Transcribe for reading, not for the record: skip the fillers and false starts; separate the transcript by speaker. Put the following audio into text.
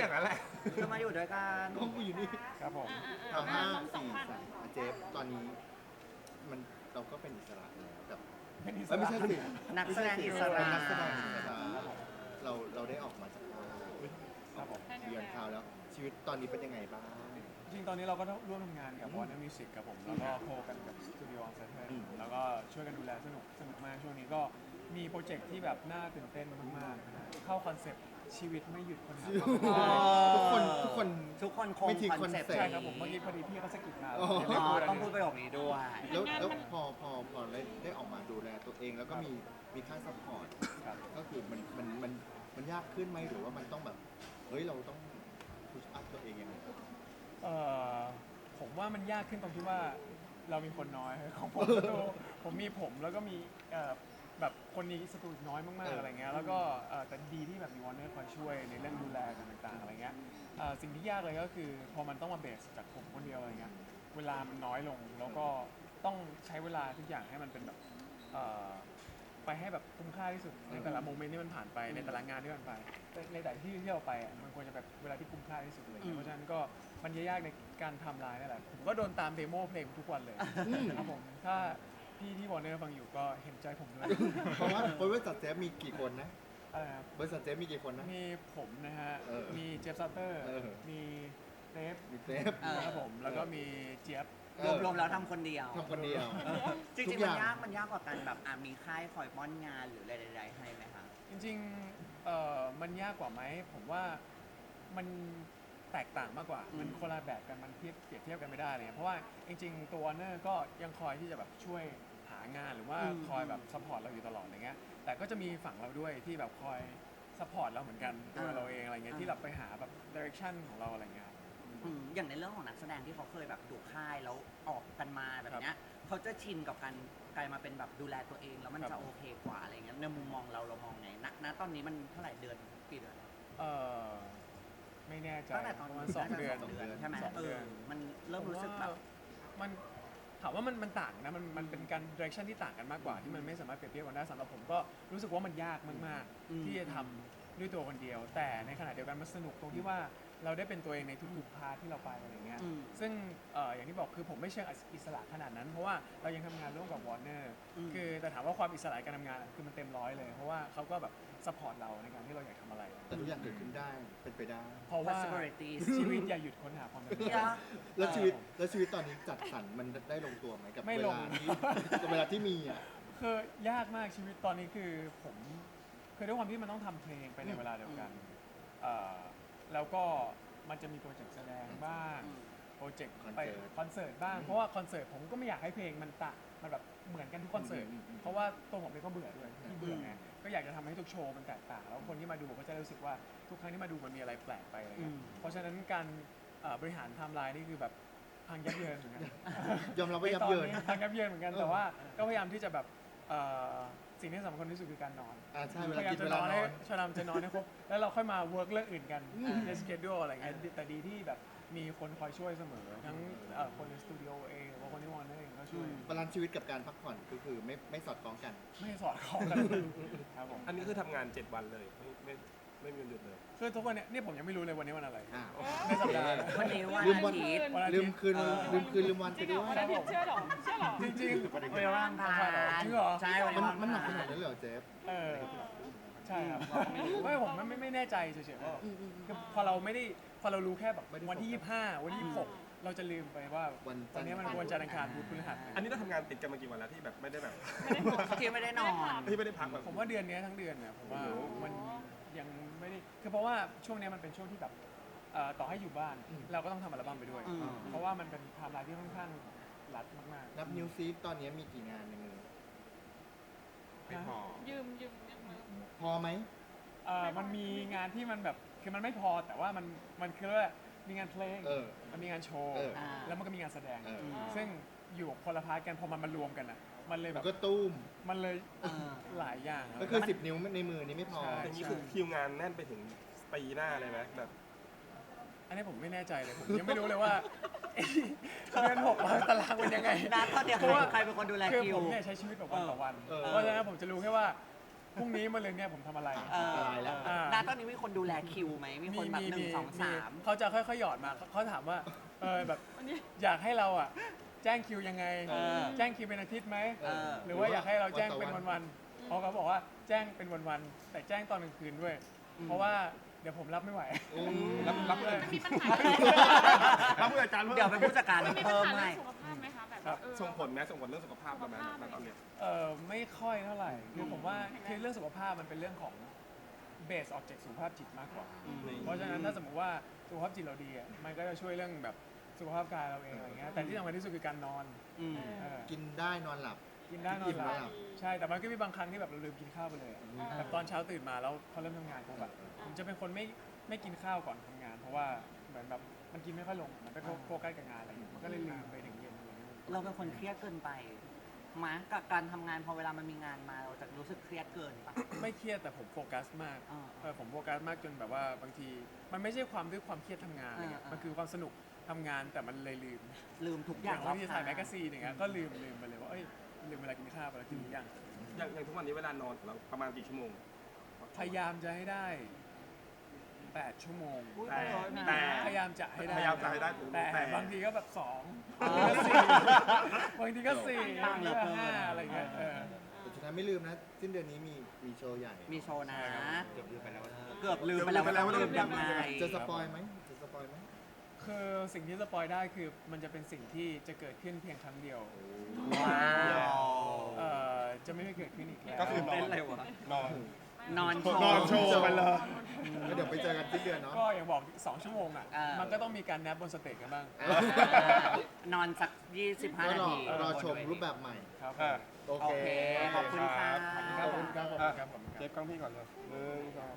Speaker 1: อย่างนั้นแหละ
Speaker 2: คือมาอยู่ด้วยกัน
Speaker 3: กล้องกูอยู่นี่
Speaker 4: ครับผม
Speaker 3: เอาห้า
Speaker 5: สอง
Speaker 3: สี่
Speaker 5: พัน
Speaker 3: สามเจฟตอนนี้มันเราก็เป็นอิสระแล้วแบบ
Speaker 4: เป็นอิส
Speaker 3: ไม่
Speaker 4: ระ
Speaker 3: ใช่สิ
Speaker 2: นักแสดงอิส
Speaker 3: เป็
Speaker 2: ระ
Speaker 3: นนักแสดงอิสระเราได้ออกมาจากค่าย
Speaker 4: ครับผม
Speaker 3: เรียนข่าวแล้ว ชีวิตตอนนี้เป็นยังไงบ้าง
Speaker 4: จริงๆตอนนี้เราก็ร่วมทำงานกับ Warner Music ครับผมแล้วก็โคกันกับสตูดิโอออนไซต์แล้วก็ช่วยกันดูแลสนุกมากช่วงนี้ก็มีโปรเจกต์ที่แบบน่าตื่นเต้นมากๆนะฮะเข้าคอนเซปต์ชีวิตไม่หยุดคนหาความเป็น
Speaker 3: ทุกคน
Speaker 2: ทุกคนคง
Speaker 3: ไม่ทิ้ง
Speaker 2: คอนเซ็ปต์
Speaker 3: คอนเซ็ปต์
Speaker 4: ใช่ครับผมเมื่อกี้พอดีพี่เขาสะกิดมา
Speaker 3: อ๋อ
Speaker 4: ไม่พูดอะไร
Speaker 2: ต้องพูดประโยคนี้ด้วย
Speaker 3: แล้วพอได้ออกมาดูแลตัวเองแล้วก็มีค่าซัพพอร์ต
Speaker 4: ครับ
Speaker 3: ก็คือมันยากขึ้นไหมหรือว่ามันต้องแบบเฮ้ยเราต้องพุชอัพตัวเองยังไง
Speaker 4: เอ่อผมว่ามันยากขึ้นตรงที่ว่าเรามีคนน้อย ของผมสตูผมมีผมแล้วก็มีแบบคนนี้สตูน้อยมากๆอะไรเงี้ยแล้วก็แต่ดีที่แบบมีวอร์เนอร์คอยช่วยในเรื่องดูแลกันต่างๆอะไรเงี้ยสิ่งที่ยากเลยก็คือพอมันต้องมาเบสจากผมคนเดียวอะไรเงี้ยเวลามันน้อยลงแล้วก็ต้องใช้เวลาทุกอย่างให้มันเป็นแบบไปให้แบบคุ้มค่าที่สุดในแต่ละโมเมนต์ที่มันผ่านไปในแต่ละงานที่มันไปในแต่ละที่ที่เราไปอ่ะมันควรจะแบบเวลาที่คุ้มค่าที่สุดเลยเพราะฉะนั้นก็มันยากในการทำลายนั่นแหละผมก็โดนตามเดโมเพลงทุกวันเลยนะครับผมถ้าพี่ที่วอร์เนอร์ฟังอยู่ก็เห็นใจผมด้วย
Speaker 3: เพราะว่าบริษัทเจฟมีกี่คนนะ
Speaker 4: อะไรครับ
Speaker 3: บริษัทเจฟมีกี่คนนะ
Speaker 4: มีผมนะฮะ
Speaker 3: เออ
Speaker 4: มีเจฟซัตเตอร์
Speaker 3: เออ
Speaker 4: มีเซฟ
Speaker 3: มีเจฟ
Speaker 4: ครับผมแล้วก็มีเจี๊ยบ
Speaker 2: รวมๆแล้วทำคนเดียว
Speaker 3: ทำคนเดียว
Speaker 2: จริ
Speaker 3: ทุ
Speaker 2: ง
Speaker 3: ก
Speaker 2: ๆ
Speaker 3: อ
Speaker 2: มัน
Speaker 3: ย่าง
Speaker 2: มันยากกว่ากันแบบมีค่ายคอยป้อนงานหรืออะไรใดๆให้ไหมคะ
Speaker 4: จริงๆมันยากกว่าไหมผมว่ามันแตกต่างมากกว่า มันคนละแบบกันมันเปรียบเทียบกันไม่ได้เลยเพราะว่าจริงๆตัวเนอร์ก็ยังคอยที่จะแบบช่วยหางานหรือว่าคอยแบบซัพพอร์ตเราอยู่ตลอดอะไรเงี้ยแต่ก็จะมีฝั่งเราด้วยที่แบบคอยซัพพอร์ตเราเหมือนกันตัวเราเองอะไรเงี้ยที่เราไปหาแบบดิเรกชันของเราอะไรเงี้ย
Speaker 2: อย่างในเรื่องของนักแสดงที่เขาเคยแบบดูค่ายแล้วออกกันมาแบบเนี้ยเขาจะชินกับการกลายมาเป็นแบบดูแลตัวเองแล้วมันจะโอเคกว่าอะไรเงี้ยในมุมมองเรามองไงณตอนนี้มันเท่าไหร่เดือนกี่เดือน
Speaker 4: เออไม่แน่ใจ
Speaker 2: ตั้งแต่ตอน
Speaker 4: ประมาณ
Speaker 2: นี้
Speaker 4: 2 เดือน
Speaker 2: สองเดือนใช่ไหม
Speaker 4: 2 เดือน
Speaker 2: มันเริ่มรู้สึกแบบ
Speaker 4: มันถามว่ามันต่างนะมันเป็นการ direction ที่ต่างกันมากกว่าที่มันไม่สามารถเปรียบเทียบกันได้สำหรับผมก็รู้สึกว่ามันยากมากๆที่จะทำด้วยตัวคนเดียว แต่ในขณะเดียวกันมันสนุกตรงที่ว่าเราได้เป็นตัวเองในทุกๆพาร์ทที่เราไปอะไรเงี้ยซึ่งอย่างที่บอกคือผมไม่เชิงอิสระขนาดนั้น เพราะว่าเรายังทำงานร่วมกับ Warner คือแต่ถามว่าความอิสระการทำงานคือมันเต็มร้อยเลยเพราะว่าเขาก็แบบซัพพอร์ตเราในการที่เราอยากทำอะไร
Speaker 3: แต่ทุกอย่างเกิดขึ้นได้เป็นไปได้
Speaker 4: เพราะว่า
Speaker 2: possibilities
Speaker 4: ชีวิตอย่าหยุดค้นหาความเป็นไป
Speaker 2: เนี่
Speaker 4: ได้
Speaker 2: ย
Speaker 3: แล้วชีวิตตอนนี้จัดสรรมันได้ลงตัวไหมกับ
Speaker 4: ไม่
Speaker 3: เว
Speaker 4: ลง
Speaker 3: ลาที่กับเวลาที่มีอ่ะ
Speaker 4: คือยากมากชีวิตตอนนี้คือผมคือด้วยความที่มันต้องทำเพลงไปในเวลาเดียวกันแล้วก็มันจะมีโปรเจกต์แสดงบ้างโปรเจกต์ไปคอนเสิร์ตบ้างเพราะว่าคอนเสิร์ตผมก็ไม่อยากให้เพลงมันแบบเหมือนกันทุกคอนเสิร์ตเพราะว่าตัวผมเองก็เบื่อด้วยที่เบื่อไงก็อยากจะทำให้ทุกโชว์มันแตกต่างแล้วคนที่มาดูก็จะรู้สึกว่าทุกครั้งที่มาดูมันมีอะไรแปลกไปอะไรเงี้ยเพราะฉะนั้นการบริหารไทม์ไลน์นี่คือแบบพังยับเยินเหมือนกัน
Speaker 3: ยอมรับว่ายับเยิน
Speaker 4: ทางยับเยินเหมือนกันแต่ว่าก็พยายามที่จะแบบสิ่งที่สำคัญที่สุดคือการนอน
Speaker 3: ใช่เว
Speaker 4: พ
Speaker 3: ลาย
Speaker 4: ายาม
Speaker 3: กิน
Speaker 4: จะ
Speaker 3: เวน ลา
Speaker 4: อน
Speaker 3: น
Speaker 4: ให้
Speaker 3: อน
Speaker 4: ชนำจะนอนให้ครบแล้วเราค่อยมาเวิร์กเรื่องอื่นกันในสเกจดูอะไรเงี้ยแต่ดีที่แบบมีคนคอยช่วยเสมอทั้งคนในสตูดิโอเองหรือว่าคนที่วอนเองก็ช่วย
Speaker 3: บาลานซ์ชีวิตกับการพักผ่อนก็คือไม่สอดคล้องกัน
Speaker 4: ไม่สอดคล้องกันครับผม
Speaker 1: อันนี้คือทำงาน 7 วันเลยไม่มีวันหยุดเลย
Speaker 4: คือทุกวันเนี้ยนี่ผมยังไม่รู้เลยวันนี้วันอะไร
Speaker 3: อ้าว
Speaker 4: ในสัปดาห์
Speaker 2: วันนี้วัน
Speaker 3: ลืม
Speaker 2: อา
Speaker 3: วัน
Speaker 2: ทิตย์
Speaker 4: วันอาทิ
Speaker 3: ลื
Speaker 4: ต
Speaker 3: ม
Speaker 4: ย์
Speaker 3: คืนลืมวัน
Speaker 5: จ
Speaker 3: ไป
Speaker 5: ริงเหร
Speaker 3: ด้
Speaker 5: อ
Speaker 3: วย
Speaker 5: วันอาทิตย์เชื่อเหรอเชื่อเหรอ
Speaker 4: จริง
Speaker 2: วันร่างกาย
Speaker 4: จริงเหรอ
Speaker 2: ใช่วัน
Speaker 3: มัน
Speaker 2: ร่าง
Speaker 3: มันหนักข
Speaker 2: กาย
Speaker 3: นาดนั้นเลยเหรอเจฟ
Speaker 4: เออใช่ครับไม่ผมไม่แน่ใจเฉยๆว่าคือพอเรารู้แค่แบบวันที่ 25 วันที่ 26 เราจะลืมไปว่าวันนี้มันวันจันทร์อังคารพุธพฤหัส
Speaker 1: อันนี้เราทำงานติดกันมากี่วันแล้วที่แบบไม่ได้แบบ
Speaker 2: ที่ไม่ได้นอน
Speaker 1: ที่ไม่ได้พักแบบ
Speaker 4: ผมว่าเดือนนี้ทั้งเดือนเนี่ยผมว่ามันยังไม่ได้คือเพราะว่าช่วงนี้มันเป็นช่วงที่แบบต่อให้อยู่บ้านเราก็ต้องทำอัลบั้มไปด้วย เพราะว่ามันเป็นไทม์ไลน์ที่ค่อนข้างรัดมาก
Speaker 3: นับนิวซีฟตอนนี้มีกี่งานในมือ
Speaker 1: ไม่พอ
Speaker 5: ยืม
Speaker 3: พอไหม
Speaker 4: มันมีงานที่มันแบบคือมันไม่พอแต่ว่ามันคือว่ามีงานเพลงมันมีงานโชว์ แล้วมันก็มีงานแสดง ซึ่งอยู่คนละพาร์ทกันพอมันมารวมกันอ่ะมันเลยแบ
Speaker 3: แล้
Speaker 4: บ
Speaker 3: วก็ตุ้ม
Speaker 4: มันเลยหลายอย่างครับ
Speaker 3: ก็คือ10 นิ้วในมือนี้ไม่พอ
Speaker 4: ใช่
Speaker 1: อย่างนี้คือคิวงานแน่นไปถึงปีหน้าเลยไหมแบบ
Speaker 4: อันนี้ผมไม่แน่ใจเลยผมยังไม่รู้เลยว่า เดือน6ตารางเป็นยังไง
Speaker 2: นัดเท่าเดียว
Speaker 4: เพราะว่า
Speaker 2: ใครเป็นคนดูแล
Speaker 4: คือ
Speaker 2: คิว
Speaker 4: ผมเนี่ยใช้ชีวิตแบบวันต่อวัน
Speaker 3: เออ
Speaker 4: เพราะฉะนั้นผมจะรู้แค่ว่าพรุ่งนี้มะรืนเนี่ยผมทำอะไร
Speaker 3: ตายแล้ว
Speaker 2: ณตอนนี้มีคนดูแลคิวไหมมีคนแบบหนึ่งสองสาม
Speaker 4: เขาจะค่อยๆหยอดมาเขาถามว่าแบบอยากให้เราอ่ะแจ้งคิวยังไง แจ้งคิวเป็นอาทิตย์ไหม หรือว่าอยากให้เราแจ้งเป็นวันๆเขาก็บอกว่าแจ้งเป็นวันๆแต่แจ้งตอนกลางคืนด้วย เพราะว่าเดี๋ยวผมรับไม่ไหว
Speaker 1: รับเลย
Speaker 5: มีปัญหา
Speaker 1: รับผู้จัดการ
Speaker 2: เดี๋ยวเป็นผู้จัดการ
Speaker 5: มีปัญ
Speaker 2: เพิ่ม
Speaker 5: หา
Speaker 2: ให้
Speaker 5: เรื่องสุขภาพไหมคะแบบ
Speaker 4: ครับ
Speaker 1: ส่งผลไหมส่งผลเรื่องสุขภาพเราไหมณตอนเนี้ย
Speaker 4: ไม่ค่อยเท่าไหร่คือผมว่าคือเรื่องสุขภาพมันเป็นเรื่องของเบสออกจากสุขภาพจิตมากกว่า เพราะฉะนั้นถ้าสมมติว่าสุขภาพจิตเราดีอ่ะมันก็จะช่วยเรื่องแบบสุขภาพกายเราเองอะไรเงี้ยแต่ที่สำคัญที่สุดคือการนอน
Speaker 2: อืม
Speaker 4: เออ
Speaker 3: กินได้นอนหลับ
Speaker 4: กินได้นอนหลั
Speaker 3: กินได้หลั
Speaker 4: บบ ใช่แต่มันก็มีบางครั้งที่แบบเราลืมกินข้าวไปเลยอะแบบตอนเช้าตื่นมาแล้วพอเริ่มทำงานปุ๊บแบบผมจะเป็นคนไม่กินข้าวก่อนทำงาน เพราะว่าเหมือนแบบมันกินไม่ค่อยลงมันไปโฟกัสกับงานอะไรอย่างเงี้ยมันก็เลยลืมไปถึงเย็นอะไรเงี้ย
Speaker 2: เราเป็นคนเครียดเกินไปมากับการทำงานพอเวลามันมีงานมาเราจะรู้สึกเครียดเกินปะ
Speaker 4: ไม่เครียดแต่ผมโฟกัสมาก ผมโฟกัสมากจนแบบว่าบางที มันไม่ใช่ความด้วยความเครียดทำงานอะไรเงี้ย มันคือความสนุกทำงานแต่มันเลยลืม
Speaker 2: ลืมทุกอา
Speaker 4: อย่ย่าง
Speaker 2: ร
Speaker 4: บา
Speaker 2: อง บ
Speaker 4: ที
Speaker 2: ข้
Speaker 4: ถ่ายแมกกาซีนอย่างเงี้ยก็ลืมไปเลยว่าเอ้ยลืมเวลากินข้าวเวลากินหรือยัง
Speaker 1: อย่างทุกวันนี้เวลานอนของเราประมาณกี่ชั่วโมง
Speaker 4: พยายามจะให้ได้ 8 ชั่วโมง
Speaker 2: อุ๊ย
Speaker 1: แต่
Speaker 4: พยายามจะให้ได้
Speaker 1: พยายามจะให้ได้
Speaker 4: แต่บางทีก็แบบ2บางทีก็4บางทีก็5อะไรเงี้ย
Speaker 3: แต่สุดท้ายไม่ลืมนะ สิ้นเดือนนี้มีโชว์ใหญ่
Speaker 2: มีโชว์นะ
Speaker 3: เกือบลืมไปแล้ว
Speaker 2: เกือบลืมไปแล้วว่าต้องลืมยังไง
Speaker 3: จะสปอยไหมจะสปอยไหม
Speaker 4: คือสิ่งที่สปอยได้คือมันจะเป็นสิ่งที่จะเกิดขึ้นเพียงครั้งเดียว
Speaker 2: ว้าว
Speaker 4: จะไม่เกิดขึ้นอีกแล้ว
Speaker 1: ก็คือนอน
Speaker 2: เต้นเลยวะ
Speaker 1: นอน
Speaker 2: นอนโชว์
Speaker 1: นอนโชว์ไปเลย
Speaker 3: แล้วเดี๋ยวไปเจอกันสิ้นเดือนเนาะ
Speaker 4: ก็อย่างบอก 2 ชั่วโมงอ่ะ
Speaker 2: อ่ามั
Speaker 4: มันก็ต้องมีการแนบบนสเตจกันบ้าง
Speaker 2: นอนสัก 25
Speaker 3: ก็
Speaker 2: นาร
Speaker 3: อ
Speaker 2: ที
Speaker 3: รอชมรูปแบบใหม่
Speaker 4: ครับ
Speaker 3: โอ
Speaker 2: โอ
Speaker 3: เค
Speaker 2: เค ขอบคุณค่ะ
Speaker 3: ขอบคุณครับ
Speaker 4: ครับผม
Speaker 1: เจ็บกล้องพี่ก่อนเลย1 2